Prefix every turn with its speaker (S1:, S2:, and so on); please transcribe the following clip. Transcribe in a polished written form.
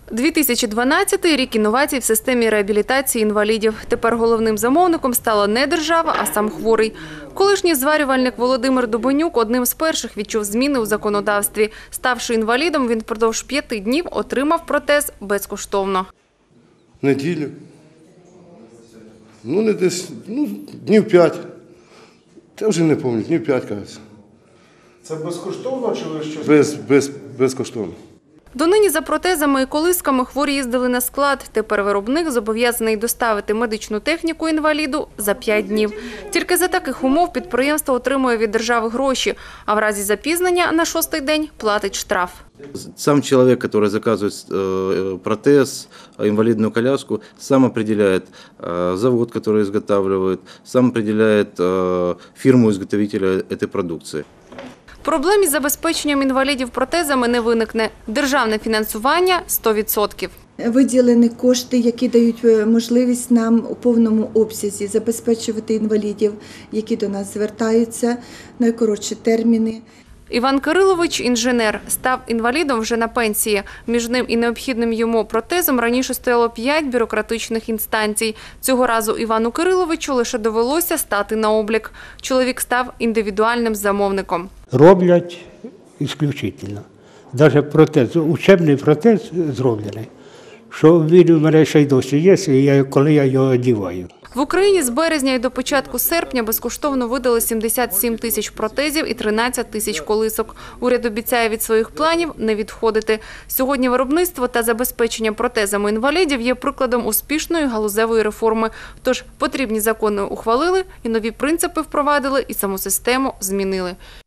S1: 2012 рік інновацій в системі реабілітації інвалідів. Тепер головним замовником стала не держава, а сам хворий. Колишній зварювальник Володимир Дубонюк одним з перших відчув зміни у законодавстві. Ставши інвалідом, він впродовж 5 днів отримав протез безкоштовно.
S2: Неділю. Не десь, днів 5. Я вже не пам'ятаю, днів 5, кажеться.
S3: Це безкоштовно чи ви щось?
S2: Безкоштовно.
S1: Донині за протезами і колисками хворі їздили на склад. Тепер виробник зобов'язаний доставити медичну техніку інваліду за 5 днів. Тільки за таких умов підприємство отримує від держави гроші, а в разі запізнення на 6-й день платить штраф.
S4: Сам человек, который заказывает протез, инвалидную коляску, сам определяет завод, который изготавливает, сам определяет фирму-изготовителя этой продукции.
S1: Проблем із забезпеченням інвалідів протезами не виникне. Державне фінансування – 100%.
S5: Виділені кошти, які дають можливість нам у повному обсязі забезпечувати інвалідів, які до нас звертаються, найкоротші терміни.
S1: Іван Кирилович – інженер. Став інвалідом вже на пенсії. Між ним і необхідним йому протезом раніше стояло 5 бюрократичних інстанцій. Цього разу Івану Кириловичу лише довелося стати на облік. Чоловік став індивідуальним замовником.
S6: Роблять ісключительно. Навіть протез, учебний протез зроблений, що він у мене ще й досі є, коли я його одягаю.
S1: В Україні з березня і до початку серпня безкоштовно видали 77 тисяч протезів і 13 тисяч колисок. Уряд обіцяє від своїх планів не відходити. Сьогодні виробництво та забезпечення протезами інвалідів є прикладом успішної галузевої реформи. Тож потрібні закони ухвалили, і нові принципи впровадили, і саму систему змінили.